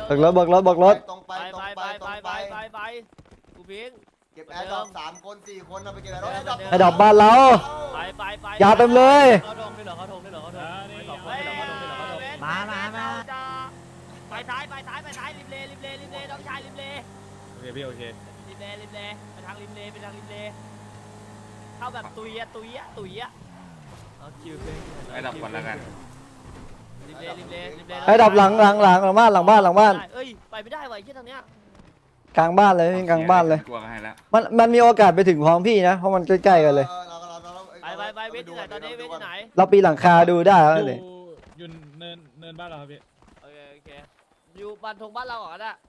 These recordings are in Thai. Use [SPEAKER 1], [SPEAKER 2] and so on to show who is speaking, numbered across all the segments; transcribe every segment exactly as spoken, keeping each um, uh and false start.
[SPEAKER 1] บอกรถบอกรถบอกรถ
[SPEAKER 2] ตรงไป
[SPEAKER 3] ไป
[SPEAKER 2] ตรง
[SPEAKER 3] ไป
[SPEAKER 2] ไป
[SPEAKER 3] ไป
[SPEAKER 2] ตรง
[SPEAKER 3] ไป
[SPEAKER 2] ไป
[SPEAKER 3] ไปไปกูพิง
[SPEAKER 2] เก็บแอร์ดรอปสามคนสี่คนเอาไปเก็บแอร์ดรอป
[SPEAKER 1] ไอ้ดอกบ้านเรา
[SPEAKER 3] ไปไปไป
[SPEAKER 1] ยาเต็มเลย
[SPEAKER 3] เขาทงได้เหรอเขาทงได้เหรอเขาทงไม่สองคนได้เหรอเขาทงได้เหรอเขาทงมามามาไปท้ายไปท้ายไปท้ายริมเลริมเลริมเลน้องชายริมเล
[SPEAKER 4] โอเคพี่โอเค
[SPEAKER 3] ริมเลริมเลไปทางริมเลไปทางริมเลเข้าแบบตุยอะตุยอะตุยอะเอาคิวไป
[SPEAKER 4] ไอ้ดับก่อนแล้วกัน
[SPEAKER 3] ริมเลริมเลริมเล
[SPEAKER 1] ไอ้ดับหลังหลังหลังหลังบ้านหลังบ้านหลังบ้าน
[SPEAKER 3] เอ้ยไปไม่ได้ว่ะที่ทางเนี้ย
[SPEAKER 1] กลางบ้านเลยกลางบ้านเลย
[SPEAKER 4] กลัวให้แล้ว
[SPEAKER 1] มันมันมีโอกาสไปถึงพร้อมพี่นะเพราะมันใกล้ๆกันเลย
[SPEAKER 3] ไปไปไปเวทที่ไหนตอนนี้เวทที่ไหน
[SPEAKER 1] เราปีนหลังคาดูได้แล้ว
[SPEAKER 4] อยู่
[SPEAKER 1] เลย
[SPEAKER 4] อยู่เนินเนินบ้านเราครับพี่
[SPEAKER 3] โอเคโอเคอยู่บ้านทงบ้านเราเหรอน่ะ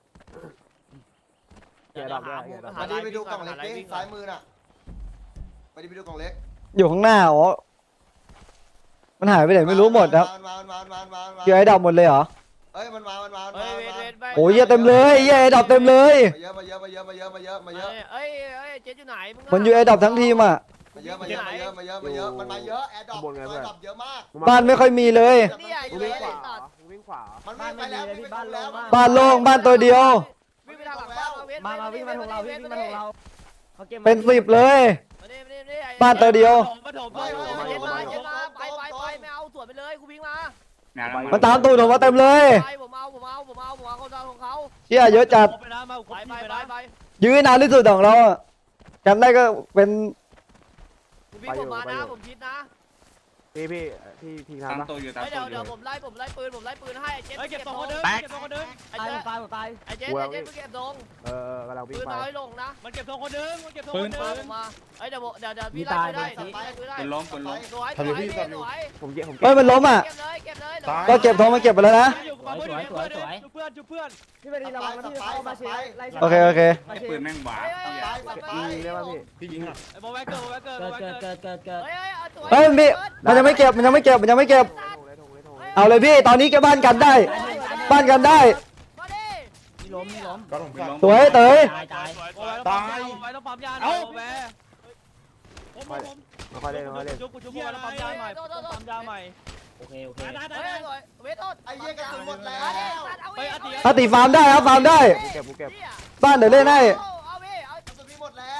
[SPEAKER 2] ไปดิไปดูกล่องเล็กดิซ้ายมือน่ะไปดิไปดูกล่องเล็ก
[SPEAKER 1] อยู่ข้างหน้าอ๋อมันหายไปไหนไม่รู้หมดครับ
[SPEAKER 2] มามามามามามา
[SPEAKER 1] เกี่ยวไอ้ดับหมดเลยเหรอ
[SPEAKER 2] เอ้ยมันมามันมา
[SPEAKER 3] เฮ้ยเวทเวทไป
[SPEAKER 1] โอ้ยเหี้ยเต็มเลยเหี้ยไอ้ดับเต็มเลย
[SPEAKER 2] มาเยอะมาเยอะมาเยอะมาเยอะมาเยอะมาเยอะ
[SPEAKER 3] เอ้ยเอ้ยเจ๊อยู่ไหนมึง
[SPEAKER 1] มันอยู่ไอ้ดับทั้งทีมอ่ะ
[SPEAKER 2] มาเยอะมาเยอะมาเยอะมาเยอะมาเยอะมันมาเยอะแอร์ดรอปแอร์ดรอปเยอะมาก
[SPEAKER 1] บ้านไม่ค่อยมีเลย
[SPEAKER 3] นี่ไอ้
[SPEAKER 2] วิ่
[SPEAKER 3] เจ๊
[SPEAKER 2] งขวา
[SPEAKER 3] ตัด
[SPEAKER 2] วิ่งขวามันวิ่งไปแล้ววิ่งไปตรงแล้ว
[SPEAKER 1] บ้านโล่งบ้านตัวเดียว
[SPEAKER 3] วิ่งไปทางหลังบ้านเวท
[SPEAKER 5] มามาวิ่งมาทางเราวิ่งมาทางเราเขาเก็บ
[SPEAKER 1] เป็นสิบเลย
[SPEAKER 3] มาดิมาดิมาดิไอ้
[SPEAKER 1] บ้านตัวเดียว
[SPEAKER 3] มาถมมาถมมาเย็นมาเย็นมาไปไปไปไม่เอาสวนไปเลยกูวิ่งมา
[SPEAKER 1] มันตามตูดผมมาเต็มเลย
[SPEAKER 3] ไปผมเอาผมเอาผมเอาผมเอาคนของเขา
[SPEAKER 1] เหี้ยเยอะจัด
[SPEAKER 3] ไปนะมาไปไปไปไป
[SPEAKER 1] ยื้อนานที่สุดของเราอะจำได้ก็เป็น
[SPEAKER 3] กูวิ่งผมมานะผมคิดนะ
[SPEAKER 5] พี่พี่พี่พี่
[SPEAKER 4] ตาม
[SPEAKER 5] ทำปะ
[SPEAKER 4] ตัวอยู่ตาม
[SPEAKER 3] เฮ้ย
[SPEAKER 4] ตั
[SPEAKER 3] เดี๋ยว ว
[SPEAKER 4] อ
[SPEAKER 3] เดี๋ย
[SPEAKER 4] ยู่
[SPEAKER 3] วผมไล่ผมไล่ปืนผมไล่ปืนให้เจ๊
[SPEAKER 6] เก็บสองคนเดิมเก็บสองคนเดิม
[SPEAKER 3] ไอ้
[SPEAKER 5] ตาย
[SPEAKER 3] เจ๊
[SPEAKER 5] ตายตาย
[SPEAKER 3] ไอ้เจ๊ไอ้เจ๊เก็บดง
[SPEAKER 5] เออเออกำลังวิ่ง
[SPEAKER 3] ปืน
[SPEAKER 5] ไป
[SPEAKER 3] น้อยลงนะ
[SPEAKER 6] มันเก็บสองคนเดิมมันเก็บสอง
[SPEAKER 4] ปื
[SPEAKER 6] คน นเดิม
[SPEAKER 3] ผมมาเอ้ยเดี๋ยวเดี๋ยวเดี๋ยวพี่ไล่ไปได้ไล่ไปได้
[SPEAKER 4] ปืนล้มปืนล้ม
[SPEAKER 3] สวยสวยพี่สวย
[SPEAKER 5] ผมเก็บผม
[SPEAKER 1] เฮ้
[SPEAKER 5] เก็
[SPEAKER 1] ย
[SPEAKER 5] บ
[SPEAKER 1] มันล้มอ่ะ
[SPEAKER 3] เก็บเลยเก็บเลย
[SPEAKER 1] ก็เก็บทองมาเก็บไปแล้วนะ
[SPEAKER 6] อยู่กับเพื่อนอยู่กับเพื่อนจุเพื่อนจุเพื่อน
[SPEAKER 5] พี่ไปดีระวังนะพี่เข้ามาเชียร์ไล่
[SPEAKER 1] โอเคโอเค
[SPEAKER 4] ไอ้ปืนแม่งหวาน
[SPEAKER 5] ยิงได้ป่ะพี่
[SPEAKER 4] พี่ยิงอ่ะ
[SPEAKER 6] ไอ้โมแวกเกอร์โมแวกเกอร์โม
[SPEAKER 5] เกิด
[SPEAKER 6] แวกเก
[SPEAKER 5] เกิ
[SPEAKER 6] อ
[SPEAKER 5] ดเกิดเกิดเกิด
[SPEAKER 3] เฮ้ย
[SPEAKER 1] เฮ้ยพี่มันยังไม่เก็บมันยังไม่เก็บมันยังไม่เก็บ เอาเลยพี่ตอนนี้ก็บ้านกันได้ บ้านกันได้
[SPEAKER 3] มาดิ
[SPEAKER 5] มีล้มมีล้ม
[SPEAKER 4] ก็ลงปืนล้ม
[SPEAKER 1] สวยเต๋ย
[SPEAKER 5] ตายตาย
[SPEAKER 6] โมแวต้องปั๊มยาโมแวต้องปั๊มยาหน่อยโมแวผมผม
[SPEAKER 5] ไม่ค่อยเล่นไม่ค่อยเล่น
[SPEAKER 6] จุ๊บจุ๊บโมแวต้องปั๊มยาใหม่ปั๊มยาใหม่
[SPEAKER 5] โอเคโอเค
[SPEAKER 3] เฮ้ยเวทโทษ
[SPEAKER 2] ไอ้เหี้ยกระสุนหมดแล้ว
[SPEAKER 1] อาติฟาร์มได้ครับฟาร์มได้
[SPEAKER 5] กูเก็บกูเก็บ
[SPEAKER 1] บ้านเดี๋ยวเล่นให้
[SPEAKER 3] เอาพี่เอา
[SPEAKER 2] กระสุนมีหมดแล้ว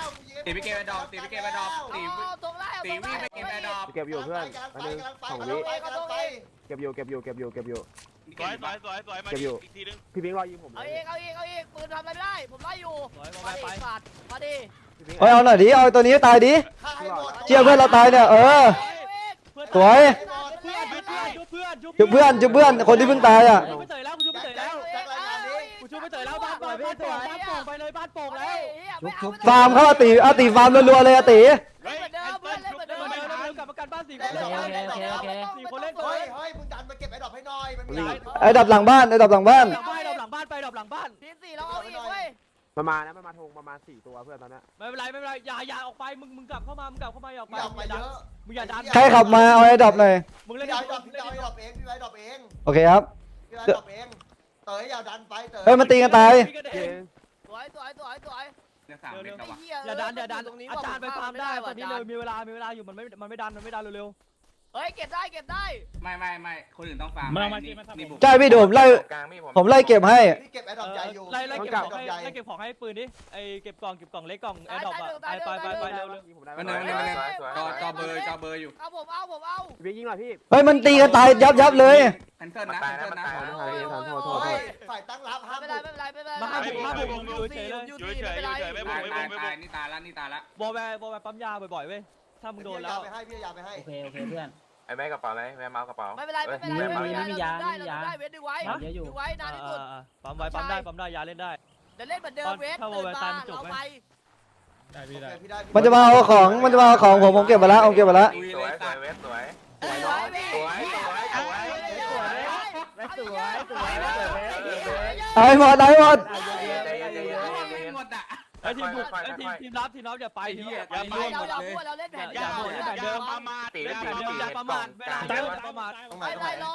[SPEAKER 4] ตีไปเก็บไอ้ดอกตีไปเก็บไอ้ดอกตี
[SPEAKER 3] ตรงไล่
[SPEAKER 4] ตีวิ่งไปเก็บไอ้ดอก
[SPEAKER 5] เก็บอยู่เพื่อนอันนึงสองวิ
[SPEAKER 2] กำลังไป
[SPEAKER 5] เก็บอยู่เก็บอยู่เก็บอยู่เก็บอยู่
[SPEAKER 6] สวยสวยสวยสวยมาอีกทีนึง
[SPEAKER 5] พี่พิงรอยิงผมเล
[SPEAKER 3] เอา
[SPEAKER 5] ย
[SPEAKER 3] อีกเอาอีกเอาอีกปืนทำอะไรไม่ได้ผมไล่อยู่มาดิสัตว์มาดิ
[SPEAKER 1] เฮ้ยเอาหน่อยดิเอาตัวนี้ให้ตายดิ
[SPEAKER 2] ฆ่าให้หมด
[SPEAKER 1] เชื่อเพื่อนเราตายเนี่ยเออ สวย
[SPEAKER 6] เพื่อนจุ๊บเพื่อนจุ๊บ
[SPEAKER 1] จุบเพื่อนจุบเพื่อนคนที่เพิ่งตายอ่ะ
[SPEAKER 6] จุ๊บไม่เตยแล้วกูจุ๊บไม่เตยแล้ว
[SPEAKER 2] แจ็ครายงานนี้
[SPEAKER 6] กูจุ๊บไม่เตยแล้วบ้านโป่งบ้านโป่งบ้านโป่งไปเลยบ้านโป่งแล้ว
[SPEAKER 1] ฟาร์มเข้าอาติอาติฟาร์มรัวๆเลยอาติ
[SPEAKER 6] เฮ้ยเพื่อนเล่นเหมือนเดิมเล่นเหมือนเดิมกลับมากันบ้านสี่คน
[SPEAKER 3] สี่คนเล่น
[SPEAKER 2] เฮ้ยเฮ้ยมึงดันมาเก็บไอ้ดอกให้หน่อยมันมี
[SPEAKER 1] ไอ้ดับหลังบ้านไอ้ดับหลังบ้าน
[SPEAKER 6] หลังบ้านดอกหลังบ้านไปดอกหลังบ้าน
[SPEAKER 3] ทีสี่เราเอาอีกเว้ย
[SPEAKER 5] มันมานะมันมาทงประมาณสี่ตัวเพื่อนตอนนี้
[SPEAKER 6] ไม่เป็นไรไม่เป็นไรอย่าอย่าออกไปมึงมึงกลับเข้ามามึงกลับเข้ามาอย่าออกไป
[SPEAKER 2] อยากไปเยอะ
[SPEAKER 6] มึงอย่าดัน
[SPEAKER 1] ใครขับมาเอาไอ้ดับหน่อย
[SPEAKER 6] มึงเล่น
[SPEAKER 2] พี่
[SPEAKER 6] ได้
[SPEAKER 2] ไอ้ดอกพี่ไอ้ดอกเองพี่ไอ้ดอกเอง
[SPEAKER 1] โอเคครับ
[SPEAKER 2] พี่ไอ้ดอกเองเต๋ออย่าดันไปเต๋อ
[SPEAKER 1] เฮ้ยมันตีกันตาย
[SPEAKER 5] เก่ง
[SPEAKER 3] สวยสวยสวยสวย
[SPEAKER 4] เนี่ยสามเม็ดแล้ววะ
[SPEAKER 6] อย่าดันอย่าดันอาจารย์ไปฟาร์มได้ตอนนี้เลยมีเวลามีเวลาอยู่มันไม่มันไม่ดันมันไม่ดันเร็ว
[SPEAKER 3] เฮ้ยเก็บได้เก็บได้
[SPEAKER 4] ไม่ไม่ไม่คนอื่นต้องฟาร์มนี่บุก
[SPEAKER 1] ใช่พี่ดูผมไล่ผมไล่เก็บให้
[SPEAKER 2] พี่เก็บไอ้ดอกใหญ่อยู่
[SPEAKER 6] ไล่ไล่เก็บของให้ไล่เก็บของให้ปืนดิไอเก็บกล่องเก็บกล่องเล็กกล่องแอร์ดรอปอะไปไปไปไปเร็วเร็ว
[SPEAKER 4] มันเนินมันเนินมันเนินจอจอเบอร์จอเบอร์อยู่
[SPEAKER 3] เอาผมเอาผมเอา
[SPEAKER 5] พี่ยิงหน่อยพี่
[SPEAKER 1] เฮ้ยมันตีกันตายยับยับเลย
[SPEAKER 4] แคนเซิลนะแคนเซิลนะ
[SPEAKER 2] เฮ้ยฝ่ายตั้งรับห้าม
[SPEAKER 3] ไม่เป็นไรไม่เป็นไรไม่เป็นไร
[SPEAKER 6] มาห้าบุกห้าบุกอยู่เฉยเลย
[SPEAKER 3] ยูทีไม่เป็นไร
[SPEAKER 4] ตายตายตายนี่ตายละนี่ตายละ
[SPEAKER 6] บอแวร์บอแวร์ปั๊มยาบ่อยๆเว้ยถ้ามึงโดนแล้ว
[SPEAKER 2] ไปให้พี่ยาไปให้
[SPEAKER 5] โอเคโอเคเพื่อน
[SPEAKER 7] ไอ้แม่กระเป๋าไหนแม่เมากระเป๋า
[SPEAKER 3] ไม่เป็นไรไม่เป็นไรไม่เป็นไรได้ได้เวทดึงไว้ดึงไว้นานที่สุด
[SPEAKER 6] ปั๊มไว้ปั๊มได้ปั๊มได้ยาเล่นได้
[SPEAKER 3] เดี๋ยวเล่นเหมือนเดิมเวทตื่นมาเอาไป
[SPEAKER 4] ได้พี่ได้
[SPEAKER 2] พี่ได้
[SPEAKER 1] มันจะมาเอาของมันจะมาเอาของผมผมเก็บไปแล้วผมเก็บไปแล้ว
[SPEAKER 7] สวยสวยเวสสวย
[SPEAKER 3] สวยเวท
[SPEAKER 7] สวยสวยสวย
[SPEAKER 5] สวยสวยสวย
[SPEAKER 1] เอาให้หมดเอาให้หมด
[SPEAKER 7] ใจเย็นใจเย็นใจเย็น
[SPEAKER 4] หมดอ่ะ
[SPEAKER 6] ไอทีมบุกไอทีมทีมรับทีมรับอย่าไปทีอย่าไป
[SPEAKER 3] เราเราพูดเราเล่นแผน
[SPEAKER 6] อย่าพูดแผนเดิมประมาท
[SPEAKER 7] ตี
[SPEAKER 6] อย่า
[SPEAKER 7] ตี
[SPEAKER 6] เดิม
[SPEAKER 7] ตี
[SPEAKER 6] อย่าประมาทเวลาเดิมประมาท
[SPEAKER 2] ตรงไหน
[SPEAKER 3] ไม่
[SPEAKER 2] ตรงไห
[SPEAKER 3] ได้
[SPEAKER 2] น
[SPEAKER 3] รอ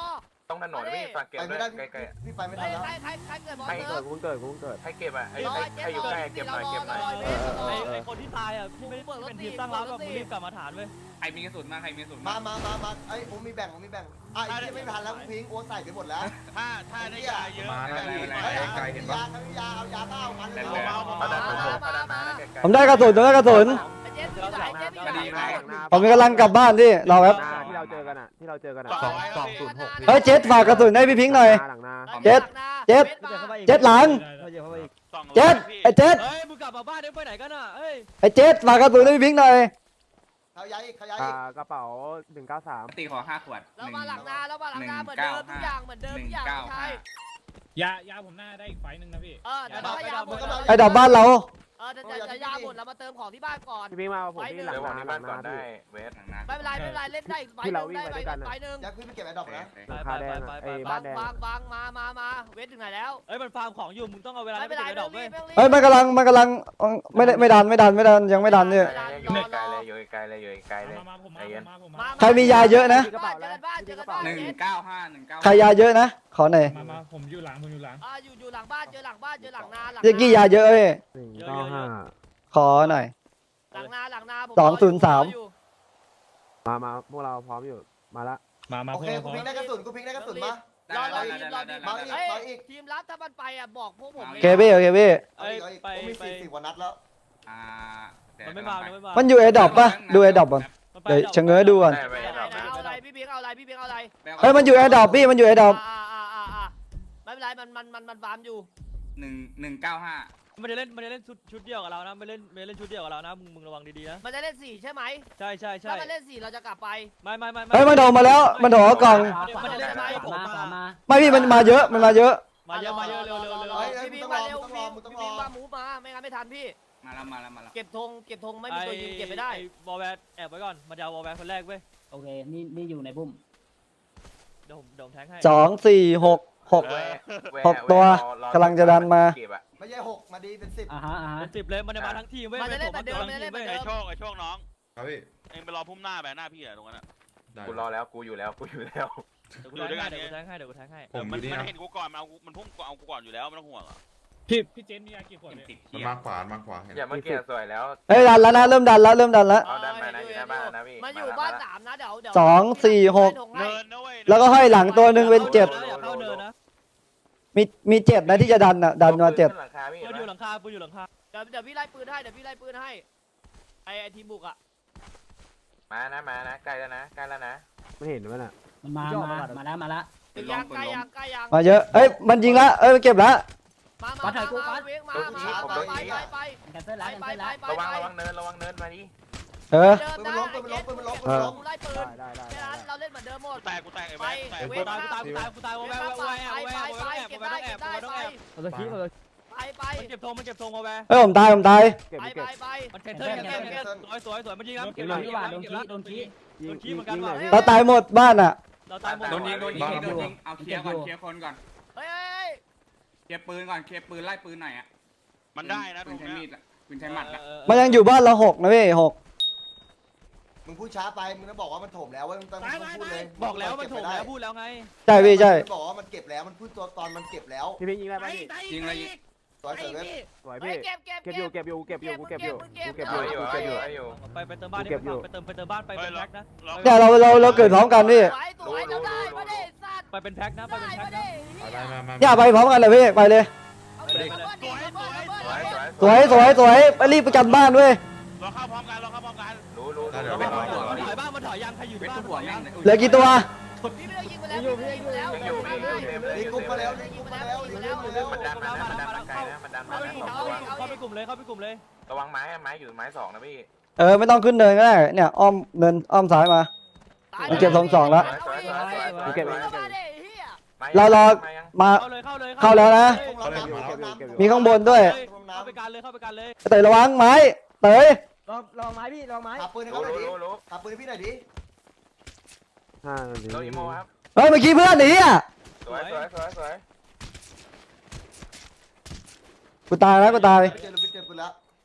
[SPEAKER 7] ต้องถนนพี่ฝากเก็บ
[SPEAKER 2] ไป
[SPEAKER 7] ด้
[SPEAKER 2] ไม่
[SPEAKER 7] วย
[SPEAKER 2] ได้
[SPEAKER 7] ใกล้
[SPEAKER 2] พี่ไปไม่
[SPEAKER 3] ใคร
[SPEAKER 2] ได้แล้ว
[SPEAKER 3] ใครใครใครเกิดบอล
[SPEAKER 5] ใคร
[SPEAKER 3] เซิ
[SPEAKER 5] เกิ
[SPEAKER 3] ร์
[SPEAKER 5] ด
[SPEAKER 3] ฟ
[SPEAKER 5] กูเกิดกูเกิด
[SPEAKER 7] ๆให้เก็บอ่ะไอ้
[SPEAKER 3] รอ
[SPEAKER 7] ไอ้
[SPEAKER 3] เจ็ด
[SPEAKER 7] ใครอยู่
[SPEAKER 3] รอ
[SPEAKER 7] ใกล้
[SPEAKER 3] เจ็
[SPEAKER 7] เก็
[SPEAKER 3] ด
[SPEAKER 7] บหน่อย
[SPEAKER 3] รอ
[SPEAKER 7] เก็บหน่อย
[SPEAKER 3] รอเวทรอ
[SPEAKER 6] ไอ้ไอ้คนที่ตายอ่ะพี่ไม่ได้เป็นทีมตั้งรับอ่ะมึงรีบกลับมาฐานเว้ย
[SPEAKER 4] ใครมีกระสุนมาใครมีกระสุน
[SPEAKER 2] มามามามาไอ้ผมมีแบ่งผมมีแบ่งอ่ะไอ้ที่ไม่ทันแล้วพิงโอ้ใส่ไปหมดแล้ว
[SPEAKER 4] ถ้าถ้าได้ยาเยอะ
[SPEAKER 7] มานะพี่
[SPEAKER 2] ไอ้ไก่เห็นปะยาเอายาเก้าพันเลย
[SPEAKER 7] เขาดันมาเขาดันมาใกล้ๆ
[SPEAKER 1] ผมได้กระสุนผมได้กระสุน
[SPEAKER 3] ไอ้เจ็ดอยู่ไหนเจ็ดอยู่
[SPEAKER 4] คดี
[SPEAKER 3] ไห
[SPEAKER 4] ไห
[SPEAKER 3] น
[SPEAKER 4] น
[SPEAKER 1] ผมกำลังกลับบ้านที่รอแป๊บ
[SPEAKER 5] หน้าที่เราเจอกันอ่ะที่เราเจอกันอ่ะ
[SPEAKER 4] สองสองศูนย์หก
[SPEAKER 1] เฮ้ยเจ็ดฝากกระสุนให้พี่พิงค์หน่อย
[SPEAKER 5] หลังหน้า
[SPEAKER 1] เจ็ดเจ็ด เจ็ดหลัง เจ็ดไอ้เจ็ด
[SPEAKER 6] เฮ้ยมึงกลับมาบ้านเดี๋ยวไปไหนกันอ่ะเอ้ย
[SPEAKER 1] ไอ้เจ็ดฝากกระสุนให้พี่พิงค์หน่อย
[SPEAKER 2] เขาย้ายอีกเขาย้าย
[SPEAKER 5] อ่า
[SPEAKER 2] อีก
[SPEAKER 5] กระเป๋าหนึ่งเก้าสาม
[SPEAKER 4] ตีขอห้าขวด
[SPEAKER 3] เรามาหลังนาเรามาหลังนาเหมือนเดิมทุกอย่างเหมือนเดิมทุกอย่างใช่
[SPEAKER 4] ยายาผมหน้าได้อีกไฟนึงนะพี่
[SPEAKER 3] เออแต่ถ้ายาหมด
[SPEAKER 1] ไอ้ดอกบ้านเรา
[SPEAKER 3] เออแต่จะยาหมดเรามาเติมของที่บ้านก่อน
[SPEAKER 5] พี่พิงมาผมที่หลัง
[SPEAKER 7] เดี๋ยว
[SPEAKER 5] ห
[SPEAKER 7] วางที่บ้านก่อน
[SPEAKER 5] น้า
[SPEAKER 7] ได้เวส
[SPEAKER 4] หลังนะ
[SPEAKER 3] ไม่เป็นไรไม่เป็นไรเล่นได้อีกใบหนึ่งได้ใบใบหนึ่ง
[SPEAKER 2] ย้ายขึ้นไปเก็บไอ้ดอกนะ
[SPEAKER 5] หลังคาแดงไอ้บ้านแดง
[SPEAKER 3] บางบางมามามาเวทถึงไหนแล้ว
[SPEAKER 6] เอ้ยมันฟาร์มของอยู่มึงต้องเอาเวลา
[SPEAKER 3] ไม่
[SPEAKER 6] ไป
[SPEAKER 3] เป็นไร
[SPEAKER 6] เก็บไอ้ด
[SPEAKER 3] ไม่
[SPEAKER 6] อก
[SPEAKER 3] ต้อ
[SPEAKER 6] เว้ย
[SPEAKER 3] งรีบ
[SPEAKER 1] เฮ้ยมันกำลังมันกำลังไม่ได้ไม่ดันไม่ดันไม่ดันยังไม่ดันเนี่ย
[SPEAKER 7] อยู่ไกลเลยอยู่ไกลเลยอยู่ไกลเลย
[SPEAKER 4] มาผม
[SPEAKER 7] ใจเย็น
[SPEAKER 4] มาผม
[SPEAKER 3] มา
[SPEAKER 1] ใครมียาเยอะนะ
[SPEAKER 5] กระเป๋าอะไร
[SPEAKER 3] บ้านเจอกันบ้าน
[SPEAKER 4] หนึ่งเก้าห้าหนึ่งเก้า
[SPEAKER 1] ใครยาเยอะนะ ขอหน่อย
[SPEAKER 4] มามาผมอยู่หลังผมอยู่หลัง
[SPEAKER 3] อ่าอยู่อยู่หลังบ้านเจอหลังบ้านเจอหลังนาหลัง
[SPEAKER 1] เจ๊กี้ยาเยอะเว้ย
[SPEAKER 5] หนึ่งเก้าห้า
[SPEAKER 1] ขอหน่อย
[SPEAKER 3] หลังนาหลังนาผม
[SPEAKER 1] สองศูนย์สาม
[SPEAKER 5] มามาพวกเราพร้อมอยู่มาละ
[SPEAKER 4] มามา
[SPEAKER 2] โอ
[SPEAKER 4] พว
[SPEAKER 2] เค
[SPEAKER 4] กเรา
[SPEAKER 2] กูพิงได้กระสุนกูพิงได้กระสุนมา
[SPEAKER 3] รอรอ
[SPEAKER 4] ได้
[SPEAKER 3] ทีม
[SPEAKER 4] ได้
[SPEAKER 3] รอ
[SPEAKER 4] ได้
[SPEAKER 3] ทีม
[SPEAKER 4] ได้
[SPEAKER 3] เฮ้ยทีมรับถ้ามันไปอ่ะบอกพวกผม
[SPEAKER 1] โอเคพี่โอเคพี่
[SPEAKER 2] เอาอีกเอาอีกผมมีสี่สิบกว่านัดแล้ว
[SPEAKER 4] อ่า
[SPEAKER 6] มันไม่มามันไม่มา
[SPEAKER 1] มันอยู่ไอ้ดอกปะดูไอ้ดอกก่อนเดี๋ยวชะเง้อดูก่อน
[SPEAKER 7] ได้ไป
[SPEAKER 3] เอา
[SPEAKER 7] ดอก
[SPEAKER 3] อะไรพี่เบียงเอาอะไรพี่เบียงเอาอะไร
[SPEAKER 1] เฮ้ยมันอยู่ไอ้ดอกพี่มันอยู่ไอ้ดอก
[SPEAKER 3] อ่าอ่าอ่าอ่าไม่เป็นไรมันมันมันมันฟาร์มอยู่
[SPEAKER 4] หนึ่งหนึ่งเก้าห้า
[SPEAKER 6] มันจะเล่นมันจะเล่นชุดชุดเดียวกับเรานะไม่เล่นไม่เล่นชุดเดียวกับเรานะมึงมึงระวังดีๆนะ
[SPEAKER 3] มันจะเล่นสี่ใช่ไหม
[SPEAKER 6] ใช่ใช่ใช่
[SPEAKER 3] ถ้ามันเล่นสี่เราจะกลับไป
[SPEAKER 6] ไม่ไม่ไม่
[SPEAKER 1] เฮ้ยมันโดนมาแล้วมันโดนกล่อง
[SPEAKER 6] มันจะเล่นไม้ผมมา
[SPEAKER 1] ไม่พี่มันมาเยอะมันมาเยอะ
[SPEAKER 6] มาเยอะมาเยอะเร็วเร็วเร็ว
[SPEAKER 3] พี่บิงมาเร็วพี่พี่บิงมามูฟมาไม่งั้นไม่ทันพี่
[SPEAKER 4] มาแล้วมาแล้วมาแล้ว
[SPEAKER 3] เก็บธงเก็บธงไม่มีตัวยิงเก็บไม่ได้
[SPEAKER 6] วอลแวร์แอบไว้ก่อนมันจะเอาวอลแวร์คนแรกเว้ย
[SPEAKER 5] โอเคนี่นี่อยู่ในบุ้ม
[SPEAKER 6] เดี๋ยวผมเดี๋ยวผมแทงให้
[SPEAKER 1] สองสี่หกหก หกตัวกำลังจะดันมา
[SPEAKER 2] ไม่ใช่หกมาดีเป็นสิบ
[SPEAKER 5] อ่าฮะอ่าฮะ
[SPEAKER 6] เป็นสิบเลยมันจะมาทั้งทีมเว้ย
[SPEAKER 3] มันจะเล่น
[SPEAKER 6] ผ
[SPEAKER 3] แบบเดิมมันจะเล่นแบบเดิ
[SPEAKER 8] ไอ้
[SPEAKER 3] ม
[SPEAKER 8] โชคไอ้โชคน้อง
[SPEAKER 9] ครับพี่
[SPEAKER 8] เองไปรอพุ่มหน้าแบบหน้าพี่อะตรงนั้นอะ
[SPEAKER 9] ได้
[SPEAKER 7] กูรอแล้วกูอยู่แล้วกูอยู่แล้ว
[SPEAKER 6] เดี๋ยวกูแทงให้เดี๋ยวกูแทงให้เดี๋ยวกูแทงให้
[SPEAKER 9] ผมอ
[SPEAKER 8] มัน
[SPEAKER 9] ยู่นี่
[SPEAKER 8] มัน
[SPEAKER 9] นะ
[SPEAKER 8] เห็นกูก่อนมันเอากูมันพุ่งเอากูก่อนอยู่แล้วไม่ต้องห่วงอะ
[SPEAKER 4] พี่พี่เจนมียากี่ขวด
[SPEAKER 7] ติ
[SPEAKER 9] มันมาขวามาขวาเห็น
[SPEAKER 7] อย่าเมื่อกี้สวยแล้ว
[SPEAKER 1] เฮ้ยดันแล้วนะเริ่มดันแล้วเริ่มดันแล้ว
[SPEAKER 7] เอาดันไปนะอยู่หน้าบ้านนะพี่
[SPEAKER 3] มันอยู่บ้านสามนะเดี๋ยวเดี๋ยว
[SPEAKER 1] สองสี่หก
[SPEAKER 8] เนินนะเว้ย
[SPEAKER 1] แล้วก็ห้อยหลังตัวหนึ่งเป็นเจ็ด
[SPEAKER 6] อย่าเข้าเนินนะ
[SPEAKER 1] มีมีเจ็ดนะที่จะดันอ่ะดันมาเจ็ด
[SPEAKER 7] หลังคาพี่
[SPEAKER 6] ปืนอยู่หลังคาปืนอยู่หลังคา
[SPEAKER 3] เดี๋ยวเดี๋ยวพี่ไล่ปืนให้เดี๋ยวพี่ไล่ปืนให้ไอไอทีมบุกอ่ะ
[SPEAKER 7] มานะมานะใกล้แล้วนะใกล้แล้วนะ
[SPEAKER 5] ไม่เห็นมั้ยน่ะ
[SPEAKER 10] มันมา มา มาแล้ว มาแล้ว
[SPEAKER 3] ถึงยังใกล้ยังใกล้ยัง
[SPEAKER 1] มาเยอะเอ้ยมันยิงละเอ้ยมันเก็บละ
[SPEAKER 3] มามามามาเวงมามาไปไปไป
[SPEAKER 10] แคนเซิล
[SPEAKER 3] ไป
[SPEAKER 10] แล้วแคน
[SPEAKER 3] ไป
[SPEAKER 10] เซิล
[SPEAKER 3] ไป
[SPEAKER 10] แล้ว
[SPEAKER 7] ระวังระวังเนินระวังเนินมาดิ
[SPEAKER 1] เออ
[SPEAKER 3] เดิม
[SPEAKER 2] ปืน
[SPEAKER 3] ได้
[SPEAKER 2] มันล้มปืนมันล้มปืนมันล้มปืน
[SPEAKER 1] เอ
[SPEAKER 2] มัน
[SPEAKER 1] อ
[SPEAKER 2] ล้ม
[SPEAKER 3] ไล่ปืน
[SPEAKER 5] ได้ได้ได้
[SPEAKER 3] แค่นั้นเราเล่นเหมือนเดิมหมด
[SPEAKER 8] กูแตกกูแตกไอ้
[SPEAKER 3] ไป
[SPEAKER 8] แม่แตก
[SPEAKER 3] เว
[SPEAKER 6] กู
[SPEAKER 3] ง
[SPEAKER 6] ตาย
[SPEAKER 3] มา
[SPEAKER 6] กูตายกูตายกูตายวอลแวร์วอลแวร์วอลแวร์วอลแวร์
[SPEAKER 3] เก็บ
[SPEAKER 6] วอลแว
[SPEAKER 3] ได้
[SPEAKER 6] ร์
[SPEAKER 3] เก็บได้
[SPEAKER 6] ต้อง
[SPEAKER 3] ไป
[SPEAKER 6] แอบ
[SPEAKER 5] เอาตะกี้เอาตะ
[SPEAKER 3] ไปไป
[SPEAKER 6] มันเก็บธงมันเก็บธงวอลแวร์
[SPEAKER 1] เอ้ยผมตายผมตาย
[SPEAKER 5] เก็บ
[SPEAKER 3] ไป
[SPEAKER 5] เก็บ
[SPEAKER 3] ไป
[SPEAKER 6] มันแคนเซิลแคนเซิลแคนเซิลสวยสวยสวยมันยิงครับเก็บ
[SPEAKER 10] โด
[SPEAKER 6] แล้ว
[SPEAKER 10] นขี้ว่ะโดนขี้โดนขี้
[SPEAKER 5] ยิง
[SPEAKER 6] โดนขี้
[SPEAKER 5] ยิง
[SPEAKER 6] เหมือนกัน
[SPEAKER 5] ยิงหน่อย
[SPEAKER 6] ว่ะ
[SPEAKER 5] พี่
[SPEAKER 1] เราตายหมดบ้านอ่ะ
[SPEAKER 6] เราตายหมด
[SPEAKER 4] โดนยิงโดนยิงโดนยิงเอาเคลียร์ก่อนเคลียร์คนก่อน
[SPEAKER 3] เฮ้ยเฮ้ย
[SPEAKER 4] เคลียร์ปืนก่อนเคลียร์ปืนไล่ปืนหน่อยอ่ะ
[SPEAKER 8] มันได้นะต
[SPEAKER 4] ปื
[SPEAKER 8] ร
[SPEAKER 4] น
[SPEAKER 8] ง
[SPEAKER 4] ใช้
[SPEAKER 8] เนี้
[SPEAKER 4] มี
[SPEAKER 8] ย
[SPEAKER 4] ดอ่ะปืนใช้หมัดอ่ะ
[SPEAKER 1] มันยังอยู่บ้านเราหกนะพี่หก
[SPEAKER 2] มึงพูดช้าไปมึงต้องบอกว่ามันถมแล้วเว้ยมึงต้องพูดเลย
[SPEAKER 6] บอกแล้วมันถูกแล้วพูดแล้วไง
[SPEAKER 1] ใช่พี่ใช่
[SPEAKER 2] บอกว่ามันเก็บแล้วมันพูดตัวตอนมันเก็บแล้ว
[SPEAKER 5] พี่พิงยิงได้ป่ะพี่
[SPEAKER 4] ยิงเลยยิง
[SPEAKER 2] สวยเสร็จเว้ย
[SPEAKER 5] สวย
[SPEAKER 3] เฮ้
[SPEAKER 5] พี่
[SPEAKER 3] ยเก็บเก็บ
[SPEAKER 5] เก็บอยู่เก็บอยู่เก็บอยู่กูเก็บอยู่กูเก็บ
[SPEAKER 7] อ
[SPEAKER 5] อยู่
[SPEAKER 7] ยู่
[SPEAKER 5] กู
[SPEAKER 7] อยู่
[SPEAKER 5] เก็บอยู่
[SPEAKER 7] อยู่
[SPEAKER 6] ไปไปเติมบ้านดิไปเติมไปเติมบ้านไปเป็นแพ็คนะ
[SPEAKER 8] เรา
[SPEAKER 1] เนี่ยเราเราเราเกิดพร้อมกันพี่
[SPEAKER 3] สวยสวยเราได้มาดิสัตว์
[SPEAKER 6] ไปเป็นแพ็คนะไป
[SPEAKER 3] ได้
[SPEAKER 6] เป็นแพ็ค
[SPEAKER 3] มา
[SPEAKER 6] นะ
[SPEAKER 3] ดิ
[SPEAKER 9] อะไรมามา
[SPEAKER 1] เนี่ยไปพร้อมกันเลยพี่ไปเลย
[SPEAKER 3] เอาดิเอาดิเอาดิ
[SPEAKER 7] สวยสวย
[SPEAKER 1] สวยสวยสวยไปรีบประกันบ้านด้วย
[SPEAKER 8] เราเข้าพร้อมกันเราเข้าพร้อมกัน
[SPEAKER 7] รู้รู้
[SPEAKER 9] เดี๋ยว
[SPEAKER 7] รู้
[SPEAKER 9] ไป
[SPEAKER 7] รู้
[SPEAKER 9] รอ
[SPEAKER 6] มันถอยบ้านมันถอยยังใครอยู่
[SPEAKER 4] เวท
[SPEAKER 6] บ้าน
[SPEAKER 4] หัวแม่ง
[SPEAKER 1] เหลือกี่ตัว
[SPEAKER 3] พี่ไม่ได้ยิงไปแล้วพี่ไม่ได้ยิงไปแล้ว
[SPEAKER 7] ยังอยู่พี่อยู่เต็มเลย
[SPEAKER 2] รี
[SPEAKER 7] อยู่
[SPEAKER 2] กุ๊บ
[SPEAKER 7] เต็ม
[SPEAKER 2] มา
[SPEAKER 7] เล
[SPEAKER 2] แล้
[SPEAKER 7] ยว
[SPEAKER 2] รีกุ๊บมาแล้วรีกุ๊บมาแล้ว
[SPEAKER 7] มันดันมานะมันดันมาไกลนะมันดันมานะสองตัว
[SPEAKER 6] เข้าไปกลุ่มเลยเข้าไปกลุ่มเลย
[SPEAKER 7] ระวังไม้ไม้อยู่ไม้สองนะพี่
[SPEAKER 1] เออไม่ต้องขึ้นเนินก็ได้เนี่ยอ้อมเนินอ้อมซ้ายมา เก็บสองสองแล้ว
[SPEAKER 5] กูเก็บเอง
[SPEAKER 3] เอา
[SPEAKER 5] กูเก็บ
[SPEAKER 3] มา
[SPEAKER 5] เอง
[SPEAKER 3] ดิเฮีย
[SPEAKER 1] เรารอ มา
[SPEAKER 6] เข้าเลยเข้าเลย
[SPEAKER 1] เข้าแล้วนะ
[SPEAKER 2] เราน้ำเราน้ำ
[SPEAKER 1] มีข้างบนด้วย
[SPEAKER 6] เข้าไปกันเลยเข้าไปกันเลย
[SPEAKER 1] เตยระวังไม้เตย
[SPEAKER 10] ลองลองไม้พี่ลองไม้
[SPEAKER 2] ขับปืนให้
[SPEAKER 7] รู้
[SPEAKER 2] เขาหน่อยดิ
[SPEAKER 7] รู้รู้
[SPEAKER 2] ขับปืนให้พี่หน่อยดิ
[SPEAKER 5] ห้านาที
[SPEAKER 7] โดนอีโมครับ
[SPEAKER 1] เฮ้ยเมื่อกี้เพื่อนหนีอ่ะ
[SPEAKER 7] สวยสวยสวยสวย
[SPEAKER 1] กูตายแล้วกูตาย
[SPEAKER 2] เจอเราไปเจอปืนแล้ว
[SPEAKER 3] สวย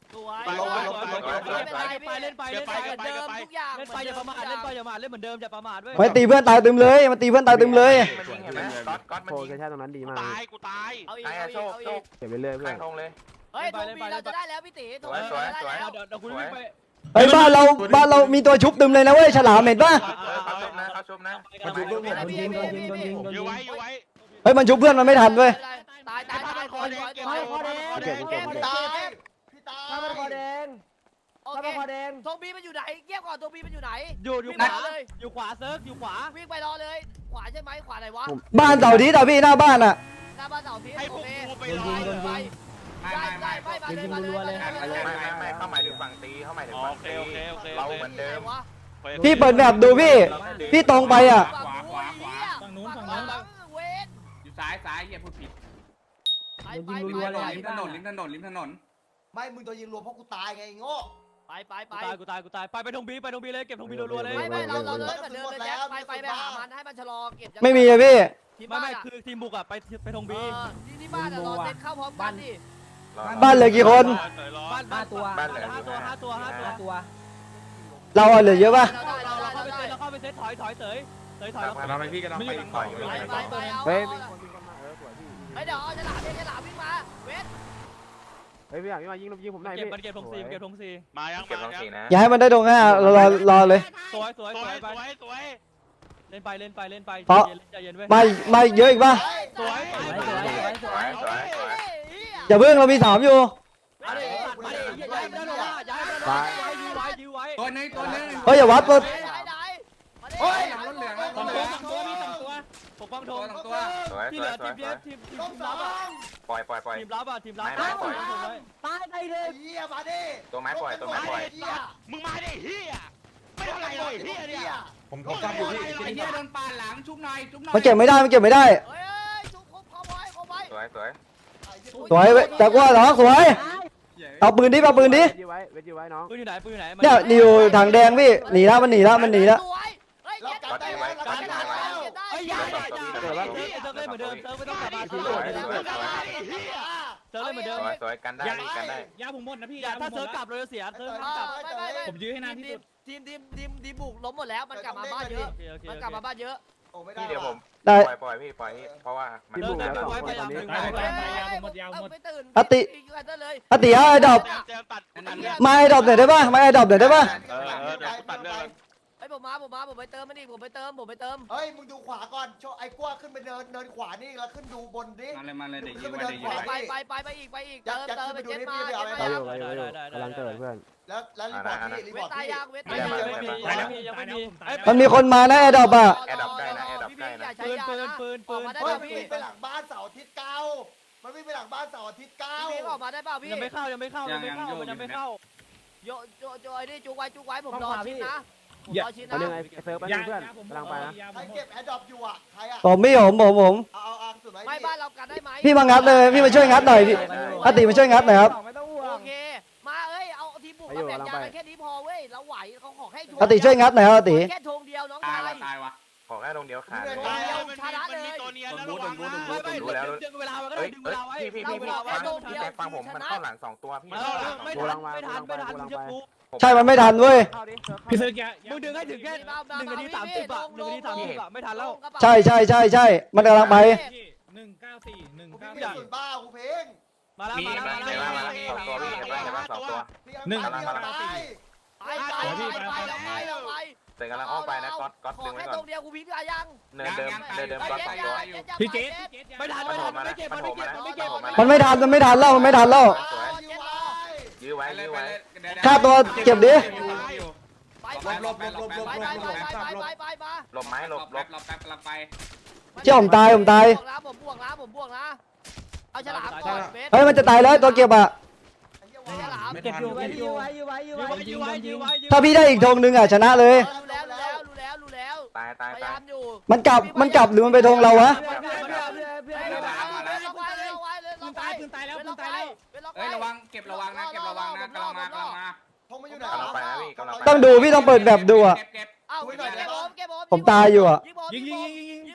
[SPEAKER 8] ลงไปลง
[SPEAKER 6] สวย
[SPEAKER 8] ไป
[SPEAKER 6] สวยสวยไปเล่นไปเล่นไปเล่นไปเล่นไป
[SPEAKER 3] ทุกอย่าง
[SPEAKER 6] เล่นไปอย่าประมาทเล่นไปอย่าประมาทเล่นเหมือนเดิมอย่าประมาทเว้ย
[SPEAKER 1] มันตีเพื่อนตายตึมเลยมันตีเพื่อนตายตึมเลย
[SPEAKER 7] มันยิงเห็นไหมก๊อตก๊อตมัน
[SPEAKER 5] โฟ
[SPEAKER 7] ยิง
[SPEAKER 5] กัสตรงนั้นดีมาก
[SPEAKER 8] ตายกูตาย
[SPEAKER 3] เอาอีก
[SPEAKER 7] ตาย
[SPEAKER 3] เอา
[SPEAKER 7] อะ
[SPEAKER 3] อี
[SPEAKER 7] โช
[SPEAKER 3] ก
[SPEAKER 7] ค
[SPEAKER 3] เอา
[SPEAKER 7] โช
[SPEAKER 3] อี
[SPEAKER 7] ค
[SPEAKER 3] ก
[SPEAKER 5] เก็บไปเรื่อยเพื่อ
[SPEAKER 7] ตั้
[SPEAKER 5] น
[SPEAKER 7] งธงเลย
[SPEAKER 3] เฮ้ยทงบีเราจะได้แล้วพี่ตีทงบี
[SPEAKER 7] สวย
[SPEAKER 3] เราจะได้
[SPEAKER 7] สวย
[SPEAKER 3] แล้ว
[SPEAKER 6] เดี๋ยวเดี๋ยวกูวิ่งไป
[SPEAKER 1] เฮ้ยบ้านเราบ้านเรามีตัวชุบตึมเลยนะเว้ยฉลามเห็นปะ
[SPEAKER 7] เขาชุบนะเขาชุบนะ
[SPEAKER 10] โดนยิงโดนยิงโดนยิงโดนยิงโดน
[SPEAKER 8] ยื้
[SPEAKER 10] ยิ
[SPEAKER 8] อง ไว้ยื้อไว้
[SPEAKER 1] เฮ้ยมันชุบเพื่อนมันไม่ทันเว้ย
[SPEAKER 3] ตายตายตายคอแดง
[SPEAKER 10] คอคอแดง
[SPEAKER 5] เก็บเก็บ
[SPEAKER 2] พี่ตายพี่ตา
[SPEAKER 10] ข้ามันคอย แดง
[SPEAKER 3] โอ
[SPEAKER 10] ข้า
[SPEAKER 3] เค
[SPEAKER 10] มันคอแดง
[SPEAKER 3] ทงบีมันอยู่ไหนเงียบก่อนทงบีมันอยู่ไหน
[SPEAKER 6] อยู่อยู่
[SPEAKER 3] วิ่ง
[SPEAKER 6] ข
[SPEAKER 3] ไป
[SPEAKER 6] วา
[SPEAKER 3] เลย
[SPEAKER 6] อยู่ขวาเซิร์ฟอยู่ขวา
[SPEAKER 3] วิ่งไปรอเลย ขวาใช่ไหมขวาไหนวะ
[SPEAKER 1] บ้านเสาร์อาทิตย์อะพี่หน้าบ้านอะ
[SPEAKER 3] หน้าบ้านเสาทิศ
[SPEAKER 8] ให้พ
[SPEAKER 3] โอ
[SPEAKER 8] วก
[SPEAKER 3] เค
[SPEAKER 8] กูไป
[SPEAKER 3] ไป
[SPEAKER 8] รอ
[SPEAKER 3] ไปไป
[SPEAKER 7] ไม่
[SPEAKER 3] ได้
[SPEAKER 7] ไม่
[SPEAKER 3] ได้
[SPEAKER 7] ไม่
[SPEAKER 3] ไปมาเลยมาเลยมาเลย
[SPEAKER 7] ไม่ไม่ไม่เข้าหมายถึงฝั่งตีเข้าหมายถึงฝั่งตีเราเหมือนเดิม
[SPEAKER 1] พี่เปิดแมปดูพี่ พี่ตรงไปอะ
[SPEAKER 4] ขวาขวาขวาฝั่งนู้นฝั่งนู้น
[SPEAKER 3] เวน
[SPEAKER 4] อยู่ซ้ายซ้ายอย่าพูดผิด
[SPEAKER 3] ไป
[SPEAKER 10] โดน
[SPEAKER 3] ไป
[SPEAKER 10] ยิง
[SPEAKER 3] ไป
[SPEAKER 10] รัวๆเลย
[SPEAKER 4] ริมถนนริมถนนริมถนน
[SPEAKER 2] ไม่มึงโดนยิงรวมเพราะกูตายไงโง่
[SPEAKER 3] ไปไปไป
[SPEAKER 6] กูตายกูตายกูตายไปไปทงบีไปทงบีเลยเก็บทงบีรัวๆเลย
[SPEAKER 3] ไม่ไม่เราเราเลยเหมือนเดิมเลยแจ็คไปไปไปหามันให้มันชะลอเก็บ
[SPEAKER 1] ไม่มีอะพี่
[SPEAKER 3] ที่
[SPEAKER 6] ไม่
[SPEAKER 3] บ้าน
[SPEAKER 6] ไม่
[SPEAKER 3] อะ
[SPEAKER 6] คือทีมบุกอะไปไปทงบี
[SPEAKER 3] เออที่ที่บ้านอะรอเซ็ตเข้าพร้อมกันดิ
[SPEAKER 1] บ้านเหลือกี่คน
[SPEAKER 6] บ้าน
[SPEAKER 10] ห้าตัว
[SPEAKER 6] บ้านห้าตัวห้าตัวห้าตัว
[SPEAKER 10] ตัว
[SPEAKER 1] เราอะเหลือเยอะปะ
[SPEAKER 3] เราได้
[SPEAKER 6] เรา
[SPEAKER 3] เรา
[SPEAKER 6] เรา
[SPEAKER 3] ได้
[SPEAKER 6] เข้าไป
[SPEAKER 3] เรา
[SPEAKER 6] เซตเราเข้าไปเซตถอยถอยเสยเสยถอย
[SPEAKER 7] เราไปพี่กันเราไปต่อย
[SPEAKER 3] ไปไปไปเอา
[SPEAKER 5] เฮ้ย
[SPEAKER 3] เอา
[SPEAKER 5] มีคนวิ่งเข้ามาเออสวยพี่
[SPEAKER 3] เฮ้ยเดี๋ยวเอาฉลามเองฉลามวิ่งมาเวท
[SPEAKER 5] เฮ้ยพี่อยากยิงมายิงผมหน่อย
[SPEAKER 6] เก็บ
[SPEAKER 5] พี่
[SPEAKER 6] มันเก็บทงซีเก็บทงซี
[SPEAKER 8] มายัง
[SPEAKER 7] เก็บ
[SPEAKER 8] มา
[SPEAKER 7] ต้อง
[SPEAKER 8] ยัง
[SPEAKER 7] สีนะ
[SPEAKER 1] อย่าให้มันได้ตรงห้าเรารอรอเลย
[SPEAKER 6] สวยสวย
[SPEAKER 8] ส
[SPEAKER 6] ส
[SPEAKER 8] ว
[SPEAKER 6] วย ย
[SPEAKER 8] ส
[SPEAKER 6] ไป
[SPEAKER 8] วยสวย
[SPEAKER 6] เล่นไปเล่นไปเล่นไป
[SPEAKER 1] เพราะ
[SPEAKER 6] ใจเย็นเว้ย
[SPEAKER 1] ไม่ไม่เยอะอีกปะ
[SPEAKER 6] สวย
[SPEAKER 10] สวยสวยสวยสวย
[SPEAKER 7] สวยสวย
[SPEAKER 1] อย่าเพิ่งเรามีสามอยู่
[SPEAKER 6] มาดิมาดิย้ายไปด้านหน้าย้ายไปด้านหน้ายื้อไว้ยื้อไว้
[SPEAKER 4] ตัวนึงตัวนึง
[SPEAKER 1] เฮ้ยอย่าวัดตัว
[SPEAKER 3] ไหนไหน
[SPEAKER 4] เฮ้ยหลังรถเหลือง
[SPEAKER 6] สองตัวสองตัวมีสองตัวปกป้องธ
[SPEAKER 4] ตัว
[SPEAKER 6] ง
[SPEAKER 4] สองตัว
[SPEAKER 7] สวย
[SPEAKER 6] ที่
[SPEAKER 7] ส
[SPEAKER 6] เห
[SPEAKER 7] ว
[SPEAKER 6] ลื
[SPEAKER 7] ย
[SPEAKER 6] อ
[SPEAKER 7] สว
[SPEAKER 6] ที
[SPEAKER 7] ย
[SPEAKER 6] มเพียทีมทีม
[SPEAKER 2] ต้องส
[SPEAKER 6] รั
[SPEAKER 2] อบ
[SPEAKER 6] อ่ะ
[SPEAKER 2] ง
[SPEAKER 7] ปล่อยปล่อยปล่อย
[SPEAKER 6] ทีมรับอ่ะทีมรับ
[SPEAKER 7] ไม่ไม่ปล่อย
[SPEAKER 10] ตายไปเลย
[SPEAKER 2] เฮียมาดิ
[SPEAKER 7] ตัวไม้ปล่อยตัวไม้ปล่อย
[SPEAKER 2] เฮีย
[SPEAKER 8] มึงมาดิเฮียไม่ทำอะไรเลยเฮียเนี่ย
[SPEAKER 4] ผมผมกลับอยู่ที่ไอ้เหี้ยโดนปาหลังชุบหน่อยชุบหน่อย
[SPEAKER 1] มันเก็บไม่ได้มันเก็บไม่ได้
[SPEAKER 3] เฮ้ยชุบครบครบไว้ครบไว้
[SPEAKER 7] สวยสวย
[SPEAKER 1] สวยเว้ยแต่ว่าเหรอสวยเอาปืนดิเอาปืนดิ
[SPEAKER 5] เวทยื้อไว้เวทยื้อไว้น้อง
[SPEAKER 6] ปืนอยู่ไหนปืนอยู่ไหน
[SPEAKER 1] เนี่ยนี่อยู่ถังแดงพี่หนีแล้วมันหนีแล้วมันหนีแล้ว
[SPEAKER 3] เฮ้ย
[SPEAKER 2] เรา
[SPEAKER 3] เก็บ
[SPEAKER 2] กันได้ไว้เรากันได้ไว้
[SPEAKER 6] เฮ้ยอย่าอย่าอย่าเซิร์ฟเล่นเหมือนเดิมเซิร์ฟไม่ต้องกลับมาเซิร์ฟเล่นเหมือนเดิมเซิร์ฟเล่นเหมือนเดิม
[SPEAKER 7] สวยสวยกันได้กันได้
[SPEAKER 4] ยาผมหมดนะพี่
[SPEAKER 6] อย่าถ้าเซิร์ฟกลับเราจะเสียเซิร์ฟไม่ต้องกลับ
[SPEAKER 3] ไม่ไม่ไม่
[SPEAKER 4] ผมยื้อให้นานที่สุด
[SPEAKER 3] ทีมทีมทีมทีมบุกล้มหมดแล้วมันกลับมาบ้านเยอะ
[SPEAKER 6] โอเคโอเค
[SPEAKER 3] มันกลับมาบ้านเยอะ
[SPEAKER 2] โอ้ไม่ได้
[SPEAKER 7] พี่เดี๋ยวผม
[SPEAKER 1] ได้
[SPEAKER 7] ปล่อยปล่อยพี่ปล่อยเพราะว่ามัน
[SPEAKER 5] พี่บุกแล้วสองคนตอนนี้
[SPEAKER 3] ไม่ตื่น
[SPEAKER 1] อติ
[SPEAKER 3] เลย
[SPEAKER 1] อติเอาไอ้ดอก
[SPEAKER 8] เจมตัด
[SPEAKER 1] มาไอ้ดอกหน่อยได้ปะมาไอ้ดอกหน่อยได้ปะ
[SPEAKER 8] เออเออเดี๋ยวกูตัดเรื่อง
[SPEAKER 3] ไอ้ผมมาผมมาผมไปเติมมันดิผมไปเติมผมไปเติม
[SPEAKER 2] เฮ้ยมึงดูขวาก่อนโชว์ไอ้กว้าขึ้นไปเนินเนินขวานี่แล้วขึ้นดูบนดิ
[SPEAKER 4] มาเลยมาเลยเดี๋ยวยื้อไว้เดี๋ยวยื้อ
[SPEAKER 3] ไป
[SPEAKER 4] ไว้
[SPEAKER 3] ไปไปไปอีกไปอีกเติมเติมไปเจ็ดมาเจ็ด
[SPEAKER 5] ไป
[SPEAKER 3] มา
[SPEAKER 5] อยู่ไปอยู่ไปอยู่กำลังเกิดเพื่อน
[SPEAKER 2] แล้วแล้วรีพอร์ตพี่รี
[SPEAKER 3] เว
[SPEAKER 2] พอร์ต
[SPEAKER 3] ตาย
[SPEAKER 2] พี่
[SPEAKER 3] ยังเว
[SPEAKER 6] ไม่
[SPEAKER 3] ตาย
[SPEAKER 6] มี
[SPEAKER 3] ยัง
[SPEAKER 6] ไม่มียังไม่มียังไม่มี
[SPEAKER 1] มันมีคนมานะไอ้ดอกอะ
[SPEAKER 7] แอร์ดับใกล้นะแอร์ดับใกล้นะ
[SPEAKER 6] ปืนปืนปืนปืน
[SPEAKER 3] มาได้
[SPEAKER 2] เฮ้ย
[SPEAKER 3] ป่ะ
[SPEAKER 2] มัน
[SPEAKER 3] พี่
[SPEAKER 2] วิ่งไปหลังบ้านเสาร์อาทิตย์เก้ามันวิ่งไปหลังบ้านเสาร์อาทิตย์เก้า
[SPEAKER 3] พี่ออกมาได้ป่ะพี่
[SPEAKER 6] ยังไม่เข้ายังไม่เข้ายังไม่เข้ามันยังไม่เข้า
[SPEAKER 3] โยโยโยไอ้นี่จุกไว้จุกไว้ผมรอชิ้นนะผมรอชิ้น
[SPEAKER 5] ตอน
[SPEAKER 3] นะ
[SPEAKER 5] นี้ไอ้เซิร์ฟไปเพื่อนกำลังไปนะ
[SPEAKER 2] ใครเก็บแอร์ดรอปอยู่อ่ะใครอ่ะ
[SPEAKER 1] ผมไม่ผมผมผม
[SPEAKER 2] เอาเอาเอาสุดไหม
[SPEAKER 3] ไม่บ้านเรากันได้ไหม
[SPEAKER 1] พี่มางัดเลยพี่มาช่วยงัดหน่อยพี่อติมาช่วยงัดหน่อยครับ
[SPEAKER 10] ไม่ต้องห่ว
[SPEAKER 3] โอง เคมาเอ้ยเอาทีมบุกมาแบ่งยากันแค่นี้พอเว้ยเราไหวเขาขอให้
[SPEAKER 1] อติช่วยงัดหน่อยครับอติ
[SPEAKER 3] แค่ธงเดียวน้อง
[SPEAKER 4] ตา
[SPEAKER 3] ชาย
[SPEAKER 4] ยวะตายวะ
[SPEAKER 7] ขอแค่ตรงเดียวขาดเลย
[SPEAKER 8] มันมีตัวเนียนแล้วระวังนะ
[SPEAKER 6] ไม่ไม่ดึงเวลาไว้ก็
[SPEAKER 7] เฮ้
[SPEAKER 6] ได้
[SPEAKER 7] ย
[SPEAKER 6] ดึงเว
[SPEAKER 7] เฮ้ย
[SPEAKER 6] ลาไว้
[SPEAKER 7] พี่พี่พี่พี่ฟังพี่แจ็คฟังผมมันเข้าหลังสองตัวพี่
[SPEAKER 6] ไม่ทันไม่ทันไม่ทันมึงจะกู
[SPEAKER 1] ใช่มันไม่ทันเว้ย
[SPEAKER 5] เข้าดิเซิร์ฟ
[SPEAKER 4] พี่ซื้อแก
[SPEAKER 6] มึงดึงให้ถึงแค่หนึ่งนาทีสามสิบอะหนึ่งนาทีสามสิบอะไม่ทันแล้ว
[SPEAKER 1] ใช่ใช่ใช่ใช่มันกำลังไป
[SPEAKER 4] หนึ่งเก้าสี่หนึ่ง
[SPEAKER 2] กู
[SPEAKER 4] เก้า
[SPEAKER 2] พี่
[SPEAKER 4] สี่
[SPEAKER 2] สุดบ้ากูเพลง
[SPEAKER 6] มาแล้ว
[SPEAKER 7] มี
[SPEAKER 6] มาแล้ว
[SPEAKER 7] เห็น
[SPEAKER 6] มา
[SPEAKER 7] ไหม
[SPEAKER 6] แล้ว
[SPEAKER 7] เห็นไหมสองตัวพี่เห็นไหมเห็นไหมสองตัว
[SPEAKER 2] หนึ่งกำลังไป
[SPEAKER 3] ไปไปไปไปไปไป
[SPEAKER 7] เตะกำลังอ้อมไปนะก๊อตก๊อต
[SPEAKER 3] ขอ
[SPEAKER 7] ดึงไว้
[SPEAKER 3] แค่
[SPEAKER 7] ก่
[SPEAKER 3] ต
[SPEAKER 7] อ
[SPEAKER 3] ร
[SPEAKER 7] น
[SPEAKER 3] งเดียวกูพิมพ์ยัง
[SPEAKER 7] เนินเดิมเนินเดิมก๊อตสองตัว
[SPEAKER 4] พี่เจส
[SPEAKER 6] ไม่ทันไม่ทันมันไม่เก็บมันไม่เก็บมันไม่เก็บ
[SPEAKER 1] มันไม่ทันมันไม่ทันแล้วมันไม่ทันแล้ว
[SPEAKER 7] ยื้อไว้
[SPEAKER 4] ไปเล
[SPEAKER 7] ยื้
[SPEAKER 4] ย
[SPEAKER 7] อ
[SPEAKER 4] ไป
[SPEAKER 7] ไว้
[SPEAKER 4] เลยเดี๋ยว
[SPEAKER 1] ค่าตัวเก็บดิ
[SPEAKER 3] ไปไปไปไปไปไปไปไปไป
[SPEAKER 7] หลบไม้หลบหลบ
[SPEAKER 4] หลบแป๊บกำลังไป
[SPEAKER 1] เจ้าผมตายผมตาย
[SPEAKER 3] ผมบวกนะผมบวกนะเอาฉลามก่อนเบส
[SPEAKER 1] เฮ้ยมันจะตายแล้วตัวเก็บอะ
[SPEAKER 3] ฉลาม
[SPEAKER 10] เก็บอยู่เก็บอยู่ไว้อยู่ไว้อยู่
[SPEAKER 6] ยื้อ
[SPEAKER 10] ไว้
[SPEAKER 6] ไว้ยื้อไว้ยื้อไว้
[SPEAKER 1] ถ้าพี่ได้อีกธงหนึงอะชนะเลย
[SPEAKER 3] รู้แล้วรู้แล้วรู้แล้วรู้แล้ว
[SPEAKER 7] ตายตาย
[SPEAKER 3] พยา
[SPEAKER 7] ตาย
[SPEAKER 3] ยามอยู่
[SPEAKER 1] มันกลับมันกลับหรือมันไปธงเราวะ
[SPEAKER 10] เพื่อนเพื่อนเพื่อนเพื่อนเพื่อน
[SPEAKER 3] เฮ้ยเอาไว้เอาไว้เอาไว้เลย
[SPEAKER 4] ปืนตายปืนตายแล้วปืนตายแล้ว
[SPEAKER 3] เฮ้
[SPEAKER 4] เอ้ยระวังเก็บระวังนะเก็บระวังนะกำลังมากำลังมา
[SPEAKER 2] ทงมันอยู่ไหน
[SPEAKER 7] กำลังไปนะพี่กำลังไป
[SPEAKER 1] ต้องดูพี่ต้องเปิดแบบดูอะ
[SPEAKER 4] เก็บเก็บ
[SPEAKER 3] เอาเก็บผมเก็บผม
[SPEAKER 1] ผมตายอยู่อะ
[SPEAKER 3] ยิงผม
[SPEAKER 4] ยิงยิงยิงยิง
[SPEAKER 3] ยิงผม
[SPEAKER 4] ย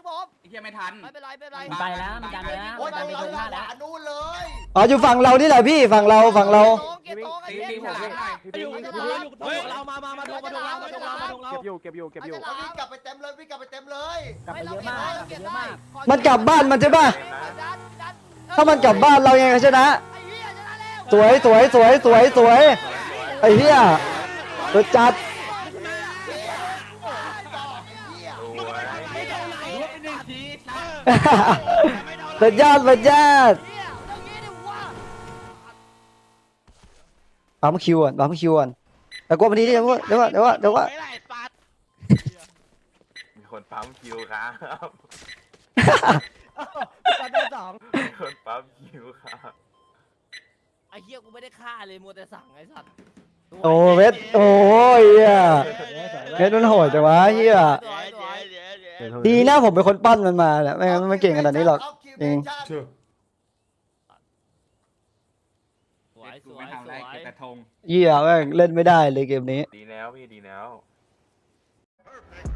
[SPEAKER 4] เฮียไม่ทัน
[SPEAKER 3] ไม่เป็นไรไม่เป็นไร
[SPEAKER 10] ไปแล้วมันดันไปแล้ว
[SPEAKER 2] โอ้ย
[SPEAKER 10] ดัน
[SPEAKER 2] โด
[SPEAKER 10] ไป
[SPEAKER 2] น
[SPEAKER 10] ตรง
[SPEAKER 2] ห
[SPEAKER 10] หน้า
[SPEAKER 2] ลั
[SPEAKER 10] แล้ว
[SPEAKER 2] งนู่นเลย
[SPEAKER 1] อ๋ออยู่ฝั่งเรานี่แหละพี่ฝั่งเราฝั่งเรา
[SPEAKER 3] เก็บโต๊ะไอ้
[SPEAKER 4] ตี
[SPEAKER 3] เหี้ย
[SPEAKER 4] ตีฉลามหน่อย
[SPEAKER 6] อยู่อยู่อยู่อยู่เรามามามาทงมาทงเรามาทงเรามาทงเรา
[SPEAKER 5] เก็บอยู่เก็บอยู่เก็บอยู่
[SPEAKER 2] วิ่งกลับไปเต็มเลยวิ่งกลับไปเต็มเลย
[SPEAKER 10] กลับไปเยอะมากกลับไปเยอะมาก
[SPEAKER 1] มันกลับบ้านมันใช่ป่ะถ้ามันกลับบ้านเรายังไงชนะ
[SPEAKER 3] ไอ้เหี้ยชนะแล้ว
[SPEAKER 1] สวยสวยสวยสวยสวยไอ้เหี้ยสุดจัด สุดยอดสุดยอด
[SPEAKER 3] เหี้ยเรื่องนี้ดิวะ
[SPEAKER 1] ปั๊มคิวก่อนปั๊มคิวก่อนแต่กลัวมันดีเดี๋ยวเดี๋ยวเดี๋ยวเดี๋ยว
[SPEAKER 8] ไม่ไรปัด
[SPEAKER 7] มีคนปั๊มคิวครับ
[SPEAKER 10] ตอนที่สอง
[SPEAKER 7] มีคนปั๊มคิวครับ
[SPEAKER 3] ไอ้เหี้ยกูไม่ได้ฆ่าเลยมัวแต่สั่งไอ้สัตว์
[SPEAKER 1] โอ้เวทโอ้ยเหี้ยเวทมันโหดจังวะเหี้ย
[SPEAKER 3] สวยสวย
[SPEAKER 1] ดีนะผมเป็นคนปั้นมันมาแหละไม่งั้นมันไม่เก่งขนาดนี้หรอกจริง
[SPEAKER 3] สวยส
[SPEAKER 4] กู
[SPEAKER 3] ว
[SPEAKER 4] ไม่
[SPEAKER 3] ย
[SPEAKER 4] ทำ
[SPEAKER 3] ส
[SPEAKER 4] อะไร
[SPEAKER 3] วย
[SPEAKER 4] เก็บกระทง
[SPEAKER 1] เหี้ยแม่งเล่นไม่ได้เลยเกมนี้
[SPEAKER 7] ดีแล้วพี่ดีแล้ว